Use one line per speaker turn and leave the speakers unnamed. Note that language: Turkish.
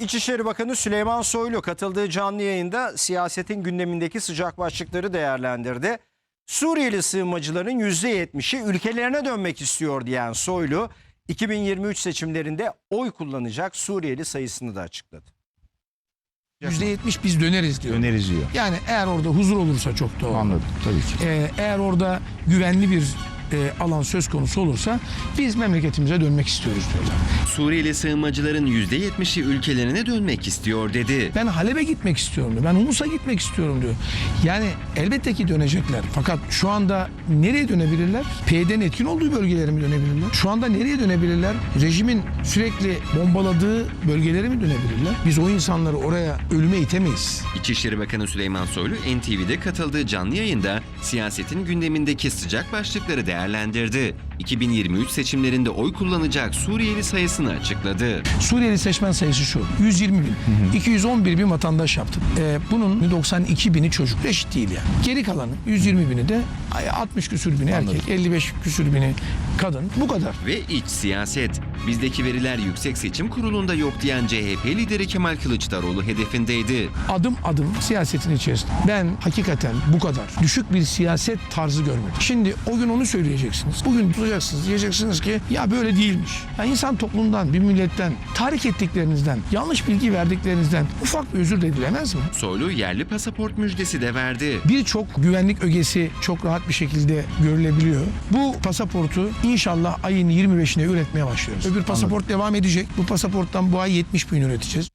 İçişleri Bakanı Süleyman Soylu katıldığı canlı yayında siyasetin gündemindeki sıcak başlıkları değerlendirdi. Suriyeli sığınmacıların %70'i ülkelerine dönmek istiyor diyen Soylu, 2023 seçimlerinde oy kullanacak Suriyeli sayısını da açıkladı.
%70 biz döneriz diyor.
Döneriz diyor.
Yani eğer orada huzur olursa çok doğru.
Anladım tabii ki.
Eğer orada güvenli bir alan söz konusu olursa biz memleketimize dönmek istiyoruz diyorlar.
Suriyeli sığınmacıların %70'i ülkelerine dönmek istiyor dedi.
Ben Halep'e gitmek istiyorum diyor. Ben Humus'a gitmek istiyorum diyor. Yani elbette ki dönecekler. Fakat şu anda nereye dönebilirler? PYD'nin etkin olduğu bölgelere mi dönebilirler? Şu anda nereye dönebilirler? Rejimin sürekli bombaladığı bölgelere mi dönebilirler? Biz o insanları oraya ölüme itemeyiz.
İçişleri Bakanı Süleyman Soylu NTV'de katıldığı canlı yayında siyasetin gündemindeki sıcak başlıkları değerlendirdi. 2023 seçimlerinde oy kullanacak Suriyeli sayısını açıkladı.
Suriyeli seçmen sayısı şu: 120 bin. 211 bin vatandaş yaptık. Bunun 92 bini çocuk. Eşit değil yani. Geri kalanı 120 bini de 60 küsür bini erkek, 55 küsür bini kadın. Bu kadar.
Ve iç siyaset. Bizdeki veriler Yüksek Seçim Kurulu'nda yok diyen CHP lideri Kemal Kılıçdaroğlu hedefindeydi.
Adım adım siyasetin içerisinde. Ben hakikaten bu kadar düşük bir siyaset tarzı görmedim. Şimdi o gün onu söyleyeceksiniz. Bugün tutacaksınız. Diyeceksiniz ki ya böyle değilmiş. Yani insan toplumdan, bir milletten, tahrik ettiklerinizden, yanlış bilgi verdiklerinizden ufak bir özür de dilemez mi?
Soylu yerli pasaport müjdesi de verdi.
Birçok güvenlik ögesi çok rahat bir şekilde görülebiliyor. Bu pasaportu inşallah ayın 25'ine üretmeye başlıyoruz. Öbür pasaport devam edecek. Bu pasaporttan bu ay 70 bin üreteceğiz.